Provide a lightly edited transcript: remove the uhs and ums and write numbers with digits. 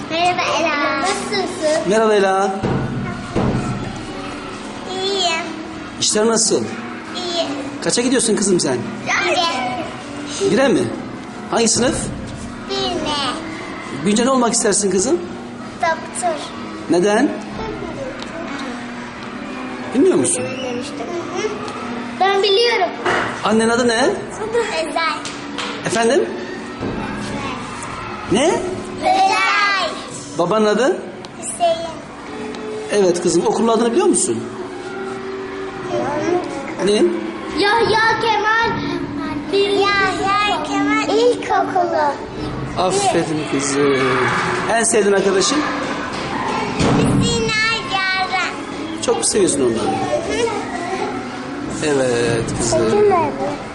Merhaba Ela. Nasılsın? Merhaba Ela. İyiyim. İşler nasıl? İyi. Kaça gidiyorsun kızım sen? İyi. Bire mi? Hangi sınıf? Bilme. Büyünce ne olmak istersin kızım? Doktor. Neden? Bilmiyor musun? Ben biliyorum. Annen adı ne? Özel. Efendim? Ne? Özel. Babanın adı? Hüseyin. Evet kızım. Okulun adını biliyor musun? Ne? Yahya Kemal. Yahya Kemal İlkokulu. Aferin kızım. En sevdiğin arkadaşın? Sina Yaren. Çok mu seviyorsun onları? Evet kızım. Nerede?